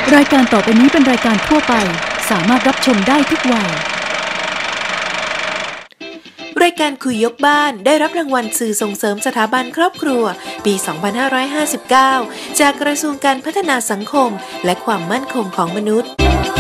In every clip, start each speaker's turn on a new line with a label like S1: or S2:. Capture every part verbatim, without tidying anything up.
S1: รายการต่อไปนี้เป็นรายการทั่วไปสามารถรับชมได้ทุกวัย
S2: รายการคุยยกบ้านได้รับรางวัลสื่อส่งเสริมสถาบันครอบครัวปี สองพันห้าร้อยห้าสิบเก้า จากกระทรวงการพัฒนาสังคมและความมั่นคงของมนุษย์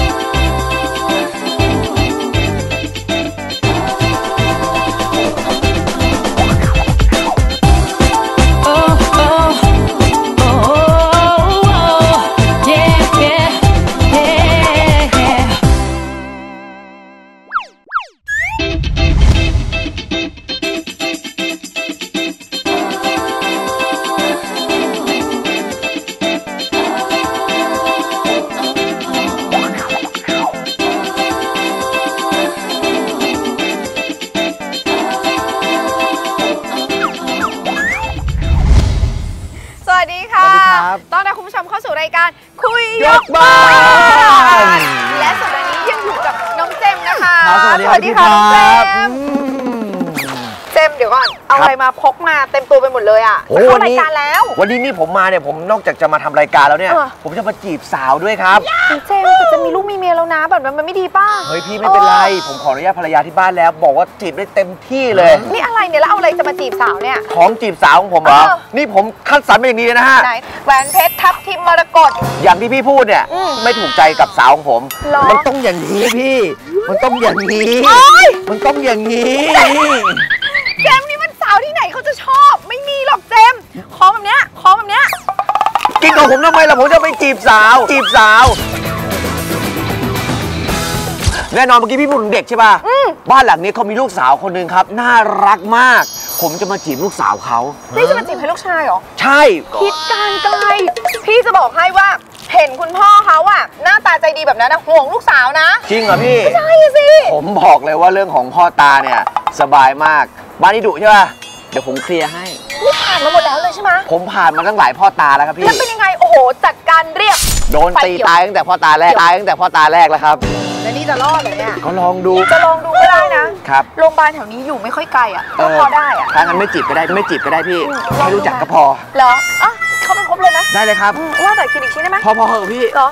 S3: ต้อนรับคุณผู้ชมเข้าสู่รายการคุยยกบ้าน และสัปดาห์นี้ยังอยู่กับน้องเจมนะคะ
S4: สวัสดีค่ะน้องเจม
S3: เจมเดี๋ยวก่อนเอาอะไรมาพกมาเต็มตัวไปหมดเลยอ่ะเข้ารายการแล้ว
S4: วันนี้นี่ผมมาเนี่ยผมนอกจากจะมาทำรายการแล้วเนี่ยผมจะมาจีบสาวด้วยครับ
S3: เจมแต่จะมีลูกมีเมียแล้วนะแบบนั้นมันไม่ดีป่ะ
S4: เฮ้ยพี่ไม่เป็นไรผมขออนุญาตภรรยาที่บ้านแล้วบอกว่าจีบได้เต็มที่เลย
S3: นี่อะไรเนี่ยแล้วเอาอะไรจะมาจีบสาวเนี่ย
S4: ของจีบสาวของผมเหรอนี่ผมคัดสรรมาอย่างนี้เลยนะฮะ
S3: แหวนเพชรทับทิมมรกต
S4: อย่างที่พี่พูดเนี่ยไม่ถูกใจกับสาวของผมมันต้องอย่างนี้พี่มันต้องอย่างนี้มันต้องอย่างนี้
S3: เจมนี่มันสาวที่ไหนเขาจะชอบไม่มีหรอกเจมคอแบบเนี้ยคอแบบเนี้ย
S4: กินกับผมทำไมล่ะผมจะไปจีบสาวจีบสาวแน่นอนเมื่อกี้พี่พูดถึงเด็กใช่ป่ะบ้านหลังนี้เขามีลูกสาวคนหนึ่งครับน่ารักมากผมจะมาจีบลูกสาวเขา
S3: พี่จะมาจีบให้ลูกชายเหรอ
S4: ใช่
S3: คิดการไกลพี่จะบอกให้ว่าเห็นคุณพ่อเขาอะหน้าตาใจดีแบบนั้นนะห่วงลูกสาวนะ
S4: จริงเหรอพี่
S3: ใช่สิ
S4: ผมบอกเลยว่าเรื่องของพ่อตาเนี่ยสบายมากบ้านนี้ดุใช่ป่ะเดี๋ยวผมเคลียร์ให้
S3: นี่ผ่านมาหมดแล้วเลยใช่ไหม
S4: ผมผ่านมาตั้งหลายพ่อตาแล้วครับพี่
S3: แล้วเป็นยังไงโอ้โหจัดการเรียบ
S4: โดนตีตายตั้งแต่พ่อตาแรกตายตั้งแต่พ่อตาแรกแล้วครับ
S3: แล้วนี่จะรอดเหรอเนี่ย
S4: ก็ลองดู
S3: จะลองดูก็ได้นะครับโรงพยาบาลแถวนี้อยู่ไม่ค่อยไกลอ่ะก็พอได้อ่ะ
S4: ถ้างั้นไม่จีบก็ได้ไม่จีบก็ได้พี่ไม่รู้จักก็พอ
S3: เหรออ่ะเขาเป็นครบเลยนะ
S4: ได้เลยครับ
S3: ว่าแต่คิดอีกชิ้นได้ไหม
S4: พอพอเหอะพี่
S3: เหรอ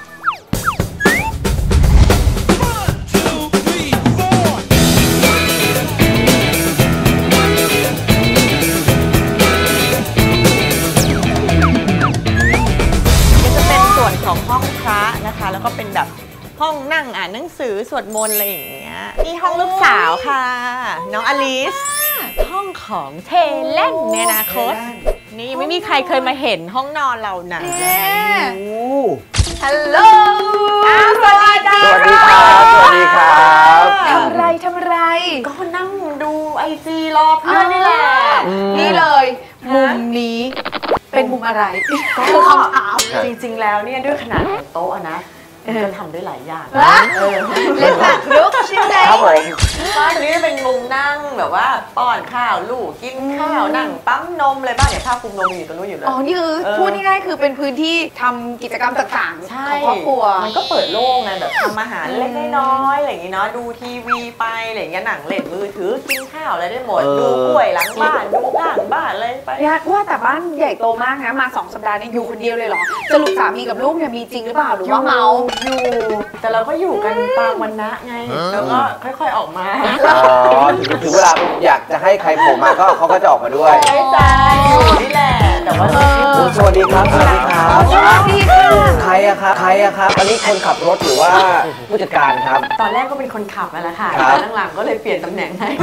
S5: ของห้องพระนะคะแล้วก็เป็นแบบห้องนั่งอ่านหนังสือสวดมนต์อะไรอย่างเงี้ยนี่ห้องลูกสาวค่ะน้องอลิสห้องของเทเล่นในอนาคตนี่ไม่มีใครเคยมาเห็นห้องนอนเรานะ
S3: ฮัลโหล
S4: สวัสดีครับสวัสดีครับ
S3: ทำไรทำไร
S5: ก็นั่งดูไอจีรอเพื่อนนี่แหละ
S3: นี่เลยมุมนี้เป็นมุมอะไร
S5: คือคำถามจริงๆแล้วเนี่ยด้วยขนาดของโต๊ะนะจะทำได้หลายอย่าง
S3: เล่นแบบลุกใช่ไหม
S4: ครับผม
S5: บ้านนี้เป็นมุมนั่งแบบว่าป้อนข้าวลูกกินข้าวนั่งปั๊มนมอะไรบ้างเนี่ยผ้าคลุมนมอยู่ตรงนู้นอยู่เลย
S3: อ๋อนี่คือพูดง่ายๆคือเป็นพื้นที่ทำกิจกรรมต่างๆของครอบครัว
S5: มันก็เปิดโล่งไงแบบทำอาหารเล็กน้อยอะไรอย่างงี้เนาะดูทีวีไปอะไรอย่างเงี้ยหนังเล่นมือถือกินข้าวอะไรได้หมดดูกล้วยหลังบ้านดูข้างบ้านเลยไป
S3: ยากว่าแต่บ้านใหญ่โตมากนะมาสองสัปดาห์นี้อยู่คนเดียวเลยเหรอสรุปสามีกับลูกเนี่ยมีจริงหรือเปล่าหรือว่าเมา
S5: อยู่แต่เราก็อยู่กันตามวันนะไงแล้วก็ค่อยๆออกมา
S4: อ๋อถึงเวลาอยากจะให้ใครโผล่มาก็เขาก็จะออกมาด้วย
S5: ใช่ใช่นี่แหละแต่ว่า
S4: สวัสดีครับสวัสดีครับ
S3: สวัสดีค่ะ
S4: ใครอะครับใครอะครับอันนี้คนขับรถหรือว่าผู้จัดการครับ
S5: ตอนแรกก็เป็นคนขับนั่นแหละค่ะหลังๆก็เลยเปลี่ยนตำแหน่งให้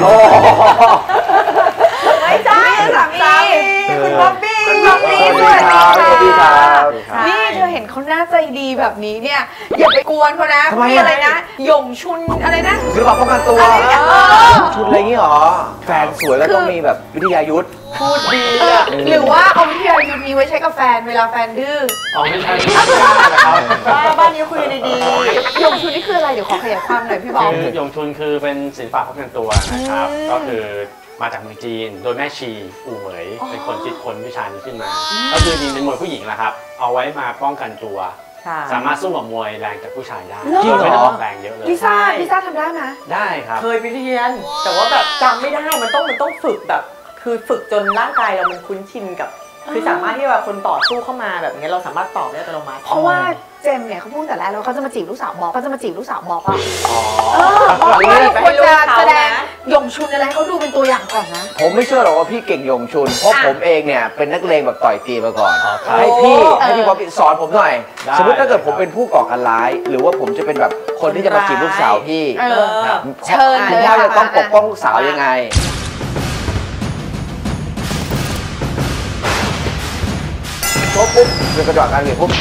S3: ไม่ใช่สามีคุณบ๊อบบี้คุณบ๊อบบี้สวัสดีค่ะนี่เธอเห็นเขาหน้าใจดีแบบนี้เนี่ยอย่าไปกวนเขานะมีอะไรนะหยงชุนอะไรนะ
S4: หรือแบบป้องกันตัวชุนอะไรงี้หรอแฟนสวยแล้วต้องมีแบบวิทยายุทธ
S3: พูดดีอะหรือว่าเอาวิทยายุทธนี้ไว้ใช้กับแฟนเวลาแฟนดื้อ
S4: อ๋อไม่ใช่
S5: บ้านนี้คุยดี
S3: ๆหยงชุนนี่คืออะไรเดี๋ยวขอขยายความหน่อยพี่บอก
S6: หยงชุนคือเป็นศิลปะป้องกันตัวนะครับก็คือมาจากเมืองจีนโดยแม่ชีอู่เหมยเป็นคนคิดค้นวิชานี้ขึ้นมาก็คือจริงเป็นมวยผู้หญิงแหละครับเอาไว้มาป้องกันตัวสามารถสู้กับมวยแรงจากผู้ชายได้
S3: จริงเหรอ
S6: ไม่ต้องออกแรงเยอะเลย
S3: พี่ซ่าพี่ซ่าทำได้ไหม
S6: ได้ครับ
S5: เคยไปเรียนแต่ว่าแบบจำไม่ได้มันต้องมันต้องฝึกแบบคือฝึกจนร่างกายเรามันคุ้นชินกับคือสามารถที่ว่าคนต่อสู้เข้ามาแบบนี้เราสามารถตอบได้อัตโนมัติ
S3: เพราะว่าเจมเนี่ยเขาพูดแต่แรกแล้วเขาจะมาจีบลูกสาวบอสเขาจะมาจีบลูกสาวบอสป่ะ
S4: อ๋อ
S3: เออบอกว่าควรจะแสดงยงชุนอะไรเขาดูเป็นตัวอย่างก่อนนะ
S4: ผมไม่เชื่อหรอกว่าพี่เก่งยงชุนเพราะผมเองเนี่ยเป็นนักเลงแบบต่อยตีมาก่อนให้พี่ให้พี่บ๊อบบี้สอนผมหน่อยสมมติถ้าเกิดผมเป็นผู้ก่อการร้ายหรือว่าผมจะเป็นแบบคนที่จะมาจีบลูกสาวพี่
S3: เชิญ
S4: คุณพ่อจะต้องปกป้องลูกสาวยังไงปุ๊บปุ๊บเดินกระโดดการเงินปุ๊บ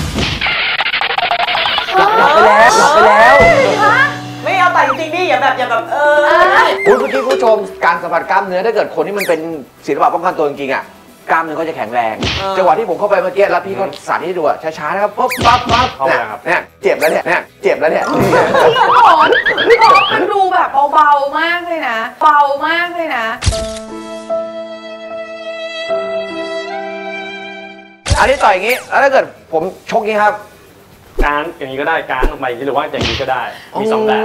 S4: หลับไปแล้วหลับไปแล้ว
S5: ไม่เอาแต่จริงๆดิอย่าแบบอย่าแบบเออ
S4: คุณผู้ชมผู้ชมการสัมผัสกล้ามเนื้อถ้าเกิดคนที่มันเป็นศิลปะป้องกันตัวจริงๆอ่ะกล้ามเนื้อก็จะแข็งแรงจังหวะที่ผมเข้าไปเมื่อกี้แล้วพี่ก็สาธิตดูช้าๆนะครับปุ๊บปั๊บปั๊บเนี่ยเจ็บแล้วเนี่ยเนี่ยเจ็บแล้วเนี่ย
S3: พี่หมอนพี่หมอนมันดูแบบเบาๆมากเลยนะเบามากเลยนะ
S4: อันนี้ต่อยอย่างนี้แล้วถ้าเกิดผมชกนี้ครับ
S6: การอย่างนี้ก็ได้การออกมาหรือว่าอย่างนี้ก็ได้มีสองแบบ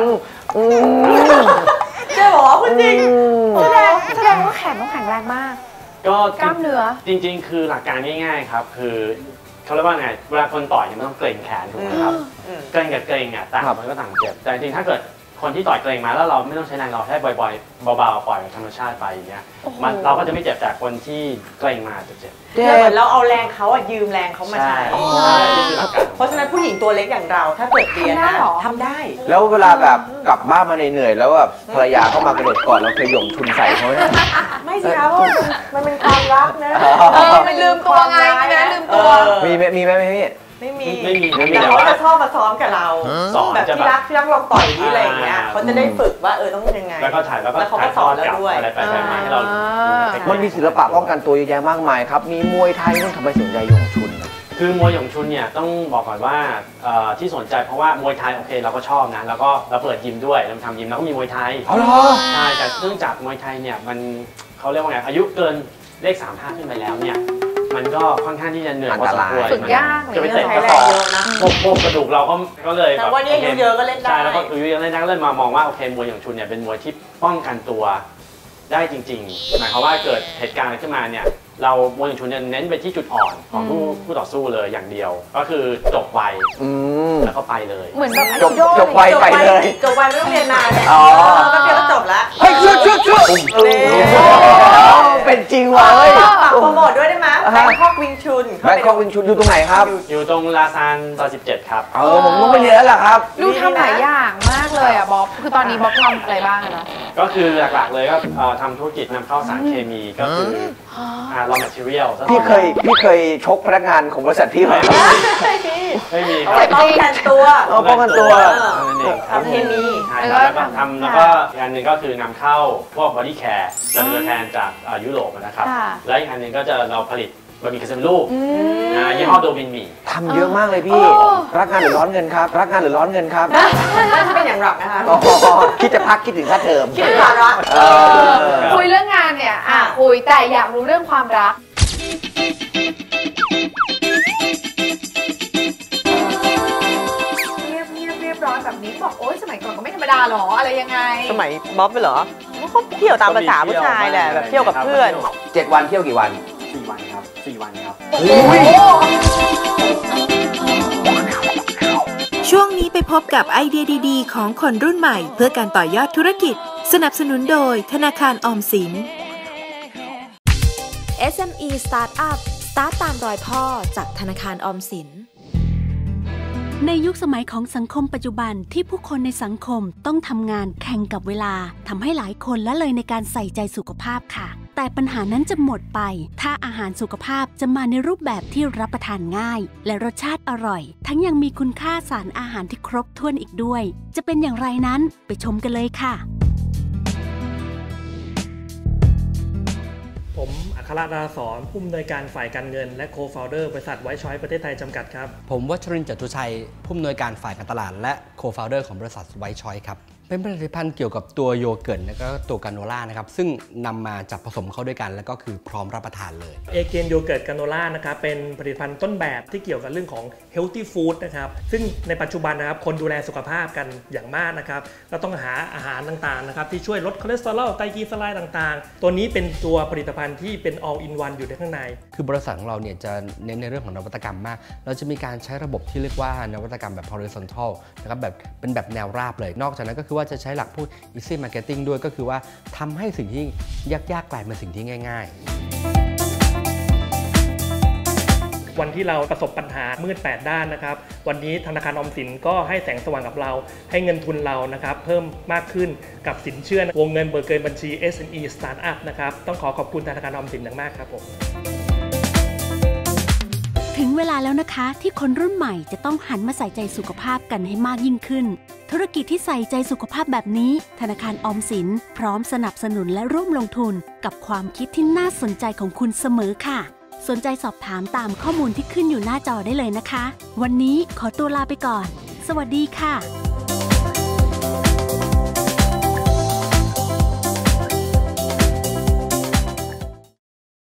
S5: เจ๊บอกคุณจริง
S3: แสดงแสดงว่าแขนต้องแข็งแรงมาก
S6: ก็
S3: กล้ามเนื้อ
S6: จริงๆคือหลักการง่ายๆครับคือเขาเรียกว่าไงเวลาคนต่อยมันต้องเกร็งแขนถูกไหมครับเกร็งกับเกร็งอ่ะต่างมันก็ต่างเจ็บแต่จริงๆถ้าเกิดคนที่ต่อยเกร็งมาแล้วเราไม่ต้องใช้แรงเราแค่บ่อยๆเบาๆปล่อยธรรมชาติไปอย่างเงี้ยมันเราก็จะไม่เจ็บแต่คนที่เกร็งมาจะเจ็บ
S5: เหมือนเราเอาแรงเขาอะยืมแรงเขามาใช้เพราะฉะนั้นผู้หญิงตัวเล็กอย่างเราถ้าเกิดเรียนนะทำได้
S4: แล้วเวลาแบบกลับบ้านมาเหนื่อยๆแล้วแบบภรรยาเข้ามากระโดดกอดเราเคยหย่งชุนใส่เขาไหม
S5: ไม่สิครับมันเป็นความรักนะ
S3: มันลืมตัวไงนะลืมตัว
S4: มีไหมมีไหมพี่
S5: ไม่มีไม่มีแต่เขาจะชอบมาซ้อมกับเราสอนแบบที่รักที่รักลองต่อยที่อะไรอย่างเงี้ยเขาจะได้ฝึกว่าเออต้องยังไง
S6: แล้วก็ถ่ายแล้วก็
S5: เขาก็สอนแล้วด้วย
S6: อะไรไปมาให้เรา
S4: มันมีศิลปะป้องกันตัวเยอะแยะมากมายครับมีมวยไทยต้องทำไมสนใจหยงชุน
S6: คือมวยหยงชุนเนี่ยต้องบอกก่อนว่าที่สนใจเพราะว่ามวยไทยโอเคเราก็ชอบนะแล้วก็เราเปิดยิมด้วยเราทำยิมแล้วก็มีมวยไทย
S4: อ๋อเหรอ
S6: ใช่แต่เนื่องจากมวยไทยเนี่ยมันเขาเรียกว่าไงอายุเกินเลขสามห้าขึ้นไปแล้วเนี่ยมันก็ค่อนข้างที่จะเหนื่อยพอสมควร
S3: ฝึกยาก
S6: จะไปเตะกระสอบพวกพวกกระดูกเราก็ก็เลย
S5: แต่ว่านี่อายุเยอะก็เล่นได้
S6: ใช่แล้วก็อายุเยอะเล่นได้ก็เลยมามองว่าโอเคมวยหยงชุนเนี่ยเป็นมวยที่ป้องกันตัวได้จริงๆหมายความว่าเกิดเหตุการณ์อะไรขึ้นมาเนี่ยเรามวยหยงชุนเน้นไปที่จุดอ่อนของผู้ผู้ต่อสู้เลยอย่างเดียวก็คือจบไวแล้วก็ไปเลย
S3: เหมือนแบบ
S4: จบจบไวไปเลย
S5: จบไวไม่ต้องเรียนนานเนี่ยก็เพียงก็จบแล้ว
S4: เฮ้ยชุดชุดชุดเป็นจริงว่ะเฮ้ย
S5: ฝากโปรโมทด้วยได้ไหมแบงคอกวิงชุน
S4: แบงคอกวิงชุนอยู่ตรงไหนครับ
S6: อยู่ตรงลาซานซอยสิบเจ็ดครับ
S4: เออผมต้องไปเรียนแล้วล่ะครับ
S3: ดูทำหลายอย่างมากเลยอ่ะบ๊อบคือตอนนี้บ๊อบทำอะไรบ้างนะ
S6: ก็คือหลักๆเลยก็ทำธุรกิจนำเข้าสารเคมีก็คือraw material
S4: พี่เคยพี่เคยชกพนักงานของบริษัทพี่ไหม
S6: ไม่มี
S5: ครับป้องกันตัว
S4: ป้องกันตัว
S5: ทำเคมี
S6: แล้วก็ทำแล้วก็อีกอันหนึ่งก็คือนำเข้าพวกบอดี้แคร์จากตัวแทนจากยุโรปนะครับและอีกอันหนึ่งก็จะเราผลิตบะหมี่กึ่งสำเร็จรูปยี่ห้อโดมินหมี่
S4: ทำเยอะมากเลยพี่รักงานหรือร้อนเงินครับรักงานหรือร้อนเงินครับ
S5: น่าจะเป็นอย่างหลักนะคะ
S4: คิดจะพักคิดถึงค่าเทอม
S5: คิดถึงภาระ
S3: คุยเรื่องงานเนี่ยอ่ะคุยแต่อยากรู้เรื่องความรักเงียบเงียบเรียบร้อยแบบนี้บอกโอ๊ยสมัยก่อนก็ไม่ธรรมดาหรออะไรยังไง
S5: สมัยบ๊อบไปเหรอเขาเที่ยวตามภาษาผู้ชายแหละแบบเที่ยวกับเพื่อน
S4: เจ็ดวันเที่ยวกี่วัน
S6: สี่วันครับสี่วันครับ
S2: ช่วงนี้ไปพบกับไอเดียดีๆของคนรุ่นใหม่เพื่อการต่อยอดธุรกิจสนับสนุนโดยธนาคารออมสิน
S7: เอส เอ็ม อี Startup สตาร์ทตามรอยพ่อจากธนาคารออมสิน
S1: ในยุคสมัยของสังคมปัจจุบันที่ผู้คนในสังคมต้องทำงานแข่งกับเวลาทำให้หลายคนละเลยในการใส่ใจสุขภาพค่ะแต่ปัญหานั้นจะหมดไปถ้าอาหารสุขภาพจะมาในรูปแบบที่รับประทานง่ายและรสชาติอร่อยทั้งยังมีคุณค่าสารอาหารที่ครบถ้วนอีกด้วยจะเป็นอย่างไรนั้นไปชมกันเลยค่ะ
S8: ผมอัครดาสอนผู้อำนวยการฝ่ายการเงินและโคฟาวเดอร์บริษัทไวท์ช้อยส์ประเทศไทยจำกัดครับ
S9: ผมวัชรินทร์ จตุชัยผู้อำนวยการฝ่ายการตลาดและโคฟาวเดอร์ของบริษัทไวท์ช้อยส์ครับเป็นผลิตภัณฑ์เกี่ยวกับตัวโยเกิร์ตและก็ตัวกราโนล่านะครับซึ่งนำมาจับผสมเข้าด้วยกันแล้วก็คือพร้อมรับประทานเลย
S8: เอเกนโยเกิร์ตกราโนล่านะครับเป็นผลิตภัณฑ์ต้นแบบที่เกี่ยวกับเรื่องของ healthy food นะครับซึ่งในปัจจุบันนะครับคนดูแลสุขภาพกันอย่างมากนะครับก็ต้องหาอาหารต่างๆนะครับที่ช่วยลดคอเลสเตอรอลไตรกลีเซอไรด์ต่างๆตัวนี้เป็นตัวผลิตภัณฑ์ที่เป็น all in one อยู่ในข้างใน
S9: คือบริษัทของเราเนี่ยจะเน้นในเรื่องของนวัตกรรมมากเราจะมีการใช้ระบบที่เรียกว่านวัตกรรมแบบ horizontal นะครับแบบเป็นแบบแนวราบเลยนอกจากนั้นก็คือว่าจะใช้หลักพูด easy marketing ด้วยก็คือว่าทำให้สิ่งที่ยากๆกลายเป็นสิ่งที่ง่าย
S8: ๆวันที่เราประสบปัญหามืดแปดด้านนะครับวันนี้ธนาคารออมสินก็ให้แสงสว่างกับเราให้เงินทุนเรานะครับเพิ่มมากขึ้นกับสินเชื่อวงเงินเบิกเกินบัญชี เอส เอ็ม อี Startup นะครับต้องขอขอบคุณธนาคารออมสินอย่างมากครับผม
S1: ถึงเวลาแล้วนะคะที่คนรุ่นใหม่จะต้องหันมาใส่ใจสุขภาพกันให้มากยิ่งขึ้นธุรกิจที่ใส่ใจสุขภาพแบบนี้ธนาคารออมสินพร้อมสนับสนุนและร่วมลงทุนกับความคิดที่น่าสนใจของคุณเสมอค่ะสนใจสอบถามตามข้อมูลที่ขึ้นอยู่หน้าจอได้เลยนะคะวันนี้ขอตัวลาไปก่อนสวัสดีค่ะ